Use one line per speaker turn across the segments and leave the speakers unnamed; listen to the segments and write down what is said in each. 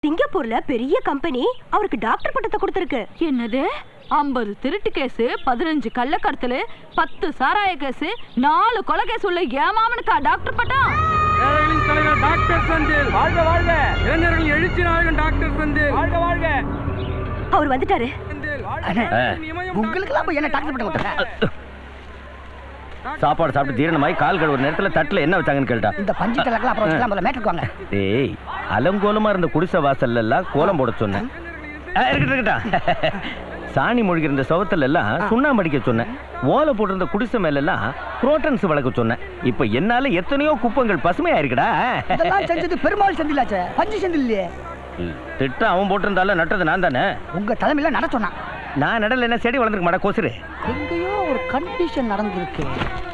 சிங்கப்பூர்ல பெரிய கம்பெனி அவருக்கு டாக்டர் பட்டத்தை கொடுத்திருக்கு.
என்னது 50 திருட்டு கேஸ், 15 கள்ளக்கடத்தல், 10 சாராய கேஸ், 4 கொலை கேஸ் உள்ள ஏமாமனுக்கா டாக்டர் பட்டம்?
ஏழைகளின் தலைவர் டாக்டர் செந்தில் வாழ்க வாழ்க. இளைஞர்கள் எழுச்சி நாயகன் டாக்டர் செந்தில் வாழ்க வாழ்க.
அவர் வந்துட்டாரு.
உங்களுக்கு எல்லாம் என்ன டாக்டர் பட்டம் கொடுத்தாங்க?
சாப்பாடு சாப்பிட்டு ஜீரணமாய் கால் கழுவுற நேரத்துல தட்டுல என்ன வச்சாங்கன்னு கேட்டா
இந்த பஞ்சு தலக்கெல்லாம் அப்புறம் வச்சுக்கலாம் போல மேட்ருக்கு வாங்க.
ஏய் அலங்கோலமா இருந்த குடிசை வாசல்ல எல்லாம் கோலம் போட சொன்னேன். இருக்கட்டா சாணி மொழிகிற இருந்த சவத்துல எல்லாம் சுண்ணாம்பு அடிக்க சொன்னேன். ஓலை போட்டிருந்த குடிசை மேல எல்லாம் புரோட்டன்ஸ் வளர்க்க சொன்னேன். இப்ப என்னால எத்தனையோ குப்பங்கள் பசுமையா இருக்குடா.
இதெல்லாம் செஞ்சது பெருமாள் செந்திலாச்சே, பஞ்சு செந்தில் இல்லையே.
திட்டம் அவன் போட்டிருந்தாலும் நட்டது நான் தானே.
உங்க தலைமையில நட சொன்னான்.
நான் நடல என்ன செடி வளர்ந்துருக்க மாட்டா கொசுரு.
எங்கேயோ ஒரு கண்டிஷன் நடந்திருக்கு.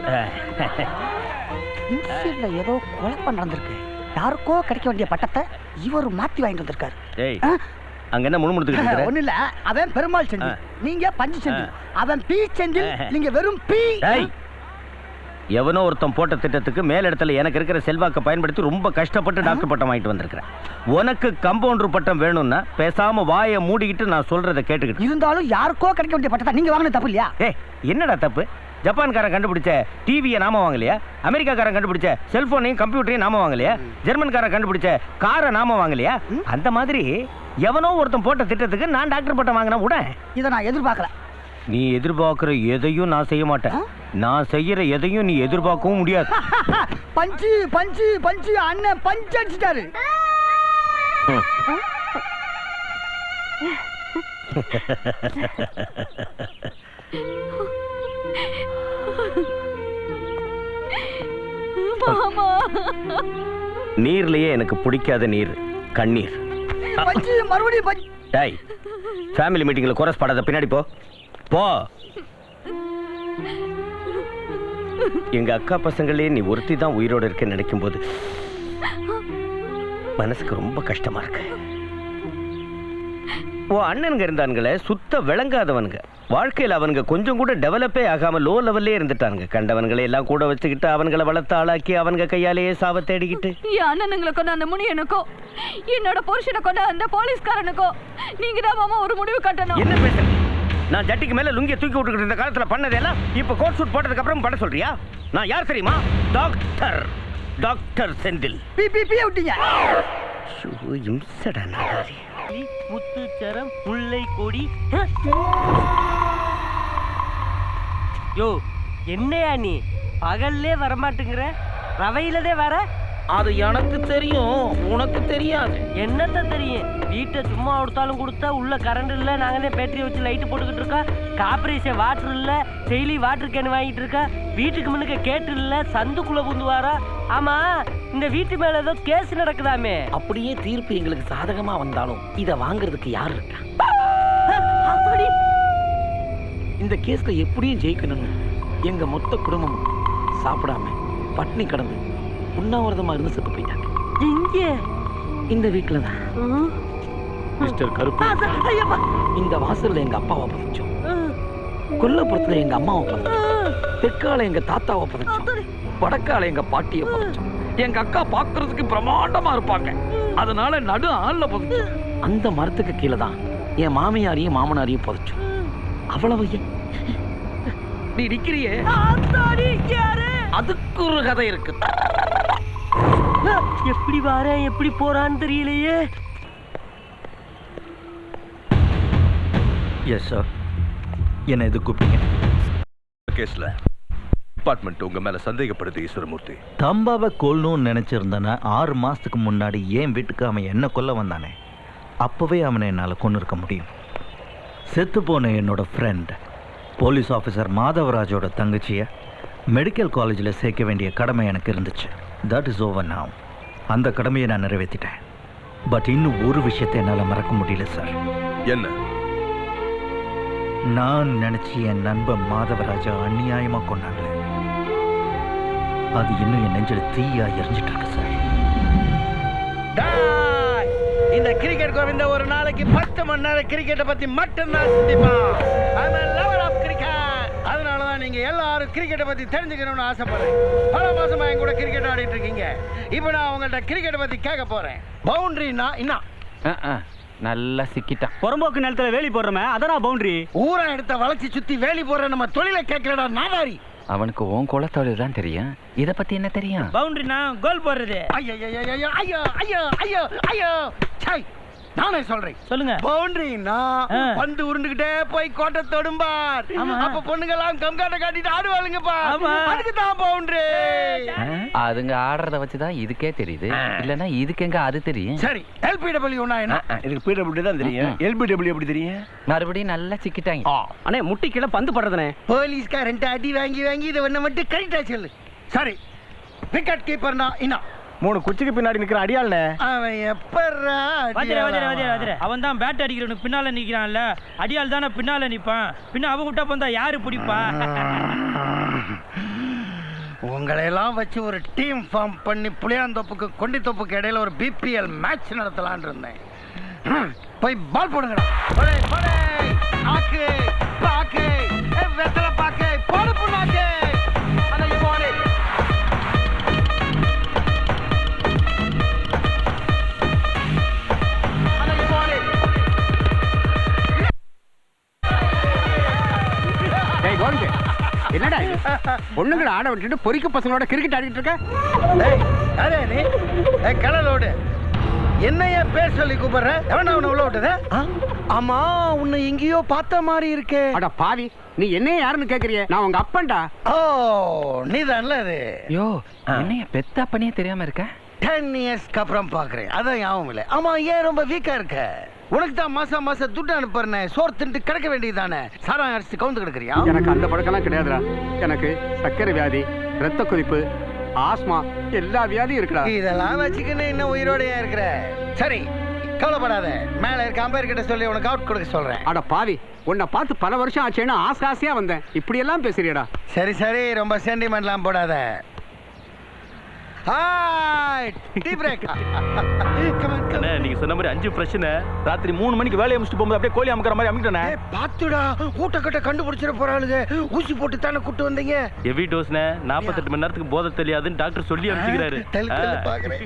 இன்சியர்ல ஏதோ குழப்பம் நடந்திருக்கு. யாருக்கோ கிடைக்க வேண்டிய பட்டத்தை இவர் மாத்தி வாங்கிட்டு வந்திருக்காரு.
ஏய் அங்க என்ன முணுமுணுத்துக்கிட்டு?
ஒண்ணு இல்ல, அவன் பெருமாள் செந்தில், நீங்க பஞ்சு செந்தில். அவன் பி செந்தில், நீங்க வெறும் பி.
எவனோ ஒருத்தன் போட்ட திட்டத்துக்கு மேல் இடத்துல எனக்கு இருக்கிற செல்வாக்கை பயன்படுத்தி ரொம்ப கஷ்டப்பட்டு டாக்டர் பட்டம் வாங்கிட்டு வந்திருக்கிறேன். உனக்கு கம்பவுண்டர் பட்டம் வேணும்னா பேசாம வாயை மூடிக்கிட்டு நான் சொல்றதை கேட்டுக்கிட்டு.
இருந்தாலும் யாருக்கோ கிடைக்க வேண்டிய பட்டத்தை நீங்க வாங்கின தப்பு இல்லையா?
ஏய் என்னடா தப்பு? ஜப்பான்காரன் கண்டுபிடிச்ச டிவியை நாம வாங்கலையா? அமெரிக்காக்காரன் கண்டுபிடிச்ச செல்போனையும் கம்ப்யூட்டரையும் நாம வாங்கலையா? ஜெர்மன்காரன் கண்டுபிடிச்ச காரை நாம வாங்கலையா? அந்த மாதிரி எவனோ ஒருத்தன் போட்ட திட்டத்துக்கு நான் டாக்டர் பட்டம் வாங்கினா கூட
இதை நான் எதிர்பார்க்கல.
நீ எதிர்பார்க்கிற எதையும் நான் செய்ய மாட்டேன். நான் செய்யற எதையும் நீ எதிர்பார்க்கவும் முடியாது.
பஞ்சு பஞ்சு பஞ்சு அண்ணன் பஞ்சு அடிச்சிட்டாரு.
நீர்லயே எனக்கு பிடிக்காத நீர் கண்ணீர்.
பஞ்சு மறுபடியும் பஞ்சு.
டேய் ஃபேமிலி மீட்டிங்ல கோரஸ் பாடாத, பின்னாடி போ போ. எங்க அக்கா பசங்களே நீ ஒருத்தி தான் உயிரோட இருக்க நினைக்கும் போது மனசுக்கு ரொம்ப கஷ்டமா இருக்கு. ஓ அண்ணனுங்க இருந்தானுங்களே சுத்த விளங்காதவனுங்க. வாழ்க்கையில் அவனுங்க கொஞ்சம் கூட டெவலப்பே ஆகாம லோ லெவல்லே இருந்துட்டானுங்க. கண்டவன்களை எல்லாம் கூட வச்சுக்கிட்டு அவன்களை வளர்த்து ஆளாக்கி அவனுங்க கையாலேயே சாவ தேடிக்கிட்டு.
என் அண்ணனுங்களை கொண்ட அந்த முனியனுக்கோ என்னோட புருஷனை கொண்ட அந்த போலீஸ்காரனுக்கோ நீங்க தான் மாமா ஒரு முடிவு கட்டணும்.
என்ன பேசுறீங்க? நான் ஜட்டிக்கு மேல லுங்கிய தூக்கி விட்டுக்கிட்டு இருந்த காலத்துல பண்ணதெல்லாம் இப்ப கோட் சூட் போட்டதுக்கு அப்புறம் பண்ண சொல்றியா? நான் யார் தெரியுமா? Doctor doctor Senthil.
பி பி பி விட்டீங்க.
இம்சடா நாடாரி.
முத்துச்சரம் முல்லை கொடி. யோ என்னையா நீ பகல்லே வரமாட்டேங்கிற, ரவையிலதே வர?
அது எனக்கு தெரியும், உனக்கு தெரியாது.
என்னத்த தெரியும்? வீட்டை சும்மா கொடுத்தாலும் கொடுத்தா உள்ள கரண்ட் இல்லை, நாங்களே பேட்டரி வச்சு லைட்டு போட்டுக்கிட்டு இருக்கா. கார்பரேஷன் வாட்டர் இல்லை, டெய்லி வாட்டர் கேன் வாங்கிட்டு இருக்கா. வீட்டுக்கு முன்னுக்கு கேட்டு இல்லை, சந்துக்குள்ள புந்து வாரா. ஆமா இந்த வீட்டு மேல ஏதோ கேஸ் நடக்குதாமே.
அப்படியே தீர்ப்பு எங்களுக்கு சாதகமா வந்தாலும் இதை வாங்குறதுக்கு யார் இருக்கா? இந்த கேஸ்ல எப்படியும் ஜெயிக்கணும்னு எங்க மொத்த குடும்பமும் சாப்பிடாம பட்னி கடந்து உண்ணாவிரதமா இருந்து செத்து போயிட்டாங்க.
எங்க?
இந்த வீட்டுல தான். மிஸ்டர் கருப்பு, இந்த வாசல்ல எங்க அப்பாவை பதிச்சோம், கொல்லப்புறத்துல எங்க அம்மாவை பதிச்சோம், தெற்கால எங்க தாத்தாவை பதிச்சோம், வடக்கால எங்க பாட்டியை பதிச்சோம். எங்க அக்கா பாக்குறதுக்கு பிரமாண்டமா இருப்பாங்க, அதனால நடு ஆள்ல பதிச்சோம். அந்த மரத்துக்கு கீழே தான் என் மாமியாரையும் மாமனாரையும் பதிச்சோம். அவ்வளவு நீ நிக்கிறியே, அதுக்கு ஒரு கதை இருக்கு.
எப்படி வார எப்படி போறான்னு தெரியலையே.
Yes sir. என்ன எது கூப்பிட்டீங்க?
கேஸ்ல டிபார்ட்மெண்ட் உங்க மேல சந்தேகப்படுது ஈஸ்வரமூர்த்தி.
தம்பாவை கொல்லணும்னு நினைச்சிருந்தானே 6 மாசத்துக்கு முன்னாடி என் வீட்டுக்கு அவன் என்ன கொல்ல வந்தானே, அப்பவே அவனை என்னால் கொண்டு இருக்க முடியும். செத்து போன என்னோட ஃப்ரெண்ட் போலீஸ் ஆஃபீஸர் மாதவராஜோட தங்கச்சியை மெடிக்கல் காலேஜில் சேர்க்க வேண்டிய கடமை எனக்கு இருந்துச்சு. That is over now. அந்த கடமையை நான் நிறைவேற்றிட்டேன். பட் இன்னும் ஒரு விஷயத்தை என்னால் மறக்க முடியல சார்.
என்ன?
நான் நினைச்சு என் நண்பன் மாதவராஜா அநியாயமா கொண்டாங்களே, அது இன்னும் என் நெஞ்சில் தீயா எரிஞ்சிட்டு இருக்கு சார்.
இந்த கிரிக்கெட் கோவிந்த ஒரு நாளைக்கு 10 மணி நேரம் கிரிக்கெட்டை பத்தி மட்டும் தான் சிந்திப்பான். அதனாலதான் நீங்க எல்லாரும் கிரிக்கெட்டை பத்தி தெரிஞ்சுக்கணும்னு ஆசைப்படுறேன். பல மாசமா என் கூட கிரிக்கெட் ஆடிட்டு இருக்கீங்க. இப்ப நான் உங்கள்ட்ட கிரிக்கெட்டை பத்தி கேட்க போறேன். பவுண்டரினா என்ன?
நல்லா சிக்கிட்டான்.
புறம்போக்கு நிலத்துல வேலி போடுறமே அதான் பவுண்டரி.
ஊரா எடுத்த வளைச்சி சுத்தி வேலி போற நம்ம தொழிலை கேட்கலடா நாதாரி.
அவனுக்கு உன் குலத்தொழில் தான் தெரியும், இத பத்தி என்ன தெரியும்?
பவுண்டரினா கோல் போடுறது.
ஐயோ ஐயோ ஐயோ ஐயோ ஐயோ ஐயோ சை, நானே சொல்றேன்.
சொல்லுங்க.
பவுண்டரினா பந்து உருண்டுகிட்டே போய் கோட்டை தொடும்பார். அப்ப பொண்ணுங்கெல்லாம் கம்காட்ட காட்டிட்டு ஆடுவாளுங்கப்பா. அதுக்கு தான் பவுண்டரி.
அதுங்க ஆடுறத வச்சுதான் இதுக்கே தெரியுது, இல்லன்னா இதுக்கு எங்க அது தெரியும்?
சரி, LPW என்ன?
எனக்கு PW தான் தெரியும். LBW எப்படி தெரியும்?
மறுபடியும் நல்லா சிக்கிட்டாங்க.
அண்ணே முட்டி கீழே பந்து படுறதுனே.
போலீஸ்காரன்ட்ட அடி வாங்கி வாங்கி இதை ஒண்ணு மட்டும் கரெக்டா சொல்லு. சரி, விக்கெட் கீப்பர்னா என்ன?
3 குச்சிக்கு பின்னாடி நிக்கிற அடியாள்னே.
அவன் எப்பறா
அவன் தான் பேட் அடிக்கிறவனுக்கு பின்னால நிக்கிறான்ல, அடியால் தானே பின்னால நிப்பான். பின்ன அவன் விட்டா பந்தா யாரு பிடிப்பா?
உங்களை எல்லாம் வச்சு ஒரு டீம் ஃபார்ம் பண்ணி புளியாந்தோப்புக்கு கொண்டித்தோப்புக்கு இடையில ஒரு BPL மேட்ச் நடத்தலான் இருந்தேன். போய் பால் போடுங்கடா. ஆக்கு பாக்கு வெத்தலை பாக்கு போடு புண்ணாக்கு.
என்னடா பொண்ணுங்களை ஆட விட்டுட்டு பொறிக்க பசங்களோட கிரிக்கெட் ஆடிட்டு இருக்க?
அரே நீ கடலோடு என்னைய பேர் சொல்லி கூப்பிடுற? எவனா உன்னை உள்ள விட்டது? ஆமா, உன்னை எங்கேயோ பார்த்த மாதிரி இருக்கே.
அட பாவி, நீ என்னைய யாருன்னு கேக்குறிய? நான் உங்க அப்பன்டா.
ஓ, நீதான்ல அது.
யோ, என்னைய பெத்தா பண்ணியே தெரியாம இருக்க?
10 இயர்ஸ்க்கு அப்புறம் பாக்குறேன், அதான் ஞாபகம் இல்லை. ஆமா, ஏன் ரொம்ப வீக்கா இருக்க? உனக்கு தான் மாசம் மாசம் துட்டு அனுப்புறேன், சோறு தின்ட்டு கிடக்க வேண்டியதானே. சாராயம் அரிசி கவுந்து கிடக்குறியா?
எனக்கு அந்த பழக்கம்லாம் கிடையாதுடா. எனக்கு சர்க்கரை வியாதி, ரத்த கொதிப்பு, ஆஸ்மா எல்லா வியாதியும் இருக்குடா.
இதெல்லாம் வச்சுக்கின்னு இன்னும் உயிரோடையா இருக்கிற. சரி, கவலைப்படாத. மேல இருக்க அம்பையர் கிட்ட சொல்லி உனக்கு அவுட் கொடுக்க சொல்றேன்.
அட பாவி, உன்னை பார்த்து பல வருஷம் ஆச்சேன்னு ஆசையா வந்தேன். இப்படி எல்லாம் பேசுறியடா.
சரி சரி, ரொம்ப சென்டிமெண்ட்லாம் போடாத.
நீங்க சொன்ன மாதிரி 5 பிரச்சனை. ராத்திரி 3 மணிக்கு வேலையை முடிச்சுட்டு போகும்போது அப்படியே கோழி அமுக்கிற மாதிரி அமுக்கிட்டேனே.
பாத்துடா, ஊட்டக்கட்ட கண்டுபிடிச்சிட போறாளுங்க. ஊசி போட்டு தானே கூட்டு வந்தீங்க.
ஹெவி டோஸ்னே 48 மணி நேரத்துக்கு போதை தெரியாதுன்னு டாக்டர் சொல்லி அனுப்பிச்சுக்கிறாரு.
பாக்குறேன்.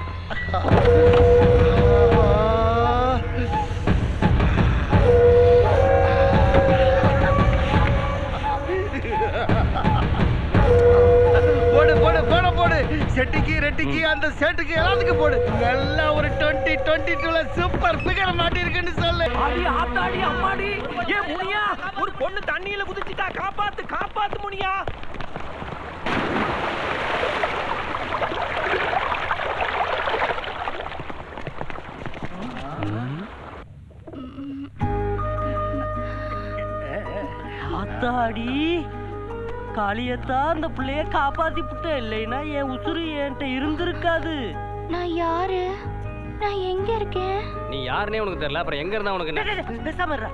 போடு போடு போட போடு. செட்டிக்கு ரெட்டிக்கு அந்த செட்டுக்கு எல்லாத்துக்கும் போடு. நல்லா ஒரு 2022ல சூப்பர் பிகர் மாட்டி இருக்குன்னு சொல்லு.
அடி ஆத்தாடி அம்மாடி, ஏ முனியா, ஒரு பொண்ணு தண்ணியில குதிச்சிட்டா, காப்பாத்து காப்பாத்து முனியா. ஆத்தாடி காளியத்தான் அந்த பிள்ளைய காப்பாத்தி புட்ட, இல்லைன்னா என் உசுறு என்கிட்ட இருந்திருக்காது.
நான் யாரு? நான் எங்க இருக்கேன்?
நீ யாருனே உனக்கு தெரியல, அப்புறம் எங்க இருந்தா உனக்கு? பேசாம இருடா.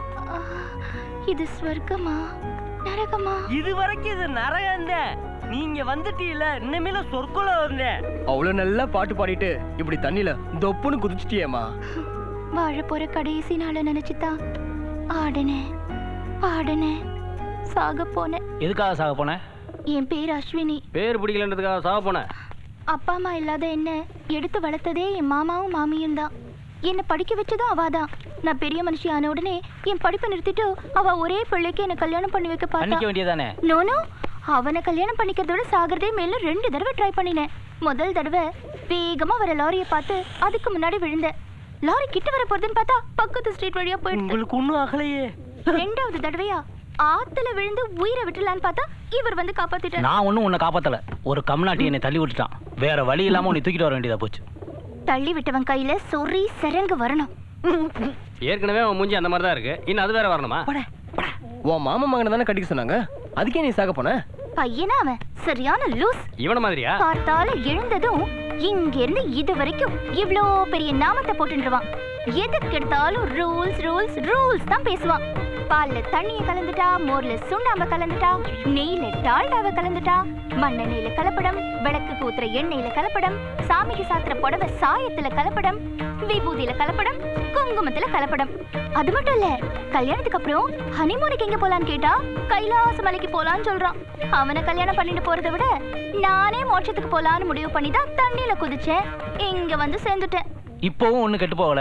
இது ஸ்வர்க்கமா நரகமா?
இது வரைக்கும் இது நரகம் தான். நீங்க வந்துட்டீல, இன்னமேல சொர்க்குல வந்தேன்.
அவ்வளவு நல்லா பாட்டு பாடிட்டு இப்படி தண்ணியில தொப்புன்னு குதிச்சிட்டியேமா.
வாழ போற கடைசி நாள நினைச்சுதான் ஆடுனேன் பாடுனேன், சாக போனேன்.
எதுக்காக சாக போன?
என் பேர் அஸ்வினி.
பேர் பிடிக்கலன்றதுக்காக சாக போன?
அப்பா அம்மா இல்லாத என்ன எடுத்து வளர்த்ததே என் மாமாவும் மாமியும் தான். என்னை படிக்க வச்சதும் அவாதான். நான் பெரிய மனுஷி ஆன உடனே என் படிப்பை நிறுத்திட்டு அவ ஒரே பிள்ளைக்கு என்ன கல்யாணம் பண்ணி வைக்க பார்த்தா.
வேண்டியதானே?
நோனோ, அவனை கல்யாணம் பண்ணிக்கிறதோட சாகிறதே மேலும் 2 தடவை ட்ரை பண்ணினேன். முதல் தடவை வேகமா வர லாரியை பார்த்து அதுக்கு முன்னாடி விழுந்தேன். லாரி கிட்ட வர போறதுன்னு பார்த்தா பக்கத்து ஸ்ட்ரீட் வழியா போயிட்டு.
உங்களுக்கு ஒண்ணும் ஆகலையே.
2வது தடவையா ஆத்துல விழுந்து உயிரை விட்டுலான்னு பார்த்தா இவர் வந்து காப்பாத்திட்டார்.
நான் ஒன்னும் உன்னை காப்பாத்தல, ஒரு கம்நாட்டி என்னை தள்ளி விட்டுட்டான். வேற வழி இல்லாம உன்னை தூக்கிட்டு வர வேண்டியதா போச்சு.
தள்ளி விட்டவன் கையில சொறி சரங்கு வரணும்.
ஏற்கனவே அவன் மூஞ்சி அந்த மாதிரி தான் இருக்கு, இன்னும் அது வேற வரணுமா? உன் மாமா மகனை தானே கட்டிக்க சொன்னாங்க, அதுக்கே நீ சாக போன?
பையனா அவன் சரியான லூஸ்.
இவன மாதிரியா?
பார்த்தால எழுந்ததும் இங்க இருந்து இது வரைக்கும் இவ்ளோ பெரிய நாமத்தை போட்டுருவான். எதுக்கு எடுத்தாலும் ரூல்ஸ் ரூல்ஸ் ரூல்ஸ் தான் பேசுவான். பால்ல தண்ணிய கலந்துட்டா, மோர்ல சுண்ணாம்பு கலந்துட்டா, நெய்ல டால்டாவை கலந்துட்டா, மண்ணெண்ணெயில கலப்படம், விளக்கு ஊத்துற எண்ணெயில கலப்படம், சாமிக்கு சாத்துற புடவை சாயத்துல கலப்படம், விபூதியில கலப்படம், குங்குமத்துல கலப்படம். அது மட்டும் இல்ல, கல்யாணத்துக்கு அப்புறம் ஹனிமூனுக்கு எங்க போலான்னு கேட்டா கைலாச மலைக்கு போலான்னு சொல்றான். அவனை கல்யாணம் பண்ணிட்டு போறதை விட நானே மோட்சத்துக்கு போலான்னு முடிவு பண்ணி தான் தண்ணியில குதிச்சேன். இங்க வந்து சேர்ந்துட்டேன்.
இப்பவும் ஒண்ணு கெட்டு போகல,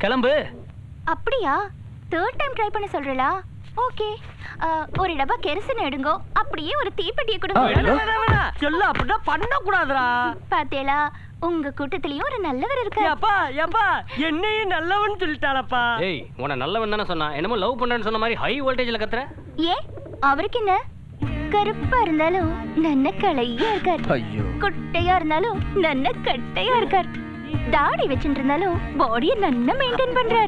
கிளம்பு.
அப்படியா? தேர்ட் டைம் ட்ரை பண்ண சொல்றீங்களா? ஓகே. ஒரு டப்பா கெரசின் எடுங்கோ, அப்படியே ஒரு தீப்பெட்டியை கொடுங்க.
சொல்ல அப்படின்னா பண்ண கூடாதுடா.
பாத்தேலா, உங்க கூட்டத்திலயும் ஒரு நல்லவர் இருக்காரு.
அப்பா ஏப்பா என்னையும் நல்லவன் சொல்லிட்டானப்பா.
ஏய், உன்னை நல்லவன் தானே சொன்னா, என்னமோ லவ் பண்றேன்னு சொன்ன மாதிரி ஹை வோல்டேஜ்ல கத்துற.
ஏன் அவருக்கு என்ன? கருப்பா இருந்தாலும் நல்ல கலையா இருக்கார்.
ஐயோ.
குட்டையா இருந்தாலும் நல்ல கட்டையா இருக்கார். தாடி வச்சுட்டு இருந்தாலும் பாடியை நல்லா மெயின்டைன் பண்றார்.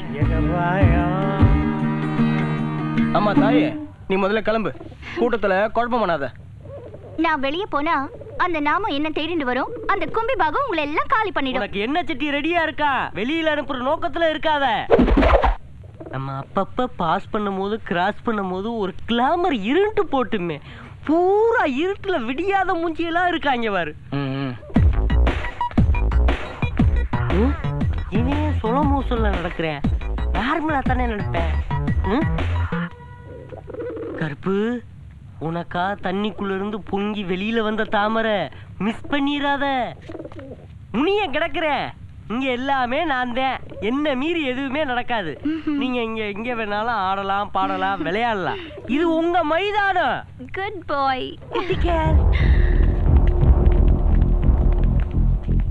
ஆமா தாயே, நீ முதல்ல கிளம்பு. கூட்டத்துல குழப்பம் பண்ணாத.
நான் வெளியே போனா அந்த நாமம் என்ன தேடிட்டு வரும். அந்த கும்பி பாகம் உங்களை எல்லாம் காலி பண்ணிடும்.
உனக்கு என்ன சட்டி ரெடியா இருக்கா? வெளியில அனுப்புற நோக்கத்துல இருக்காத. நம்ம அப்பப்ப பாஸ் பண்ணும்போது கிராஸ் பண்ணும்போது ஒரு கிளாமர் இருட்டு போட்டுமே, பூரா இருட்டுல விடியாத மூஞ்சியெல்லாம் இருக்காங்க பாரு. இனே சொல்ல மூசல்ல நடக்கிறேன், நார்மலா தானே நடப்பேன். கருப்பு, உனக்கா தண்ணிக்குள்ள இருந்து பொங்கி வெளியில வந்த தாமரை, மிஸ் பண்ணிராத. முனிய கிடக்குற இங்க எல்லாமே நான் தான். என்ன மீறி எதுவுமே நடக்காது. நீங்க இங்க வேணாலும் ஆடலாம், பாடலாம், விளையாடலாம். இது உங்க மைதானம்.
குட் பாய்.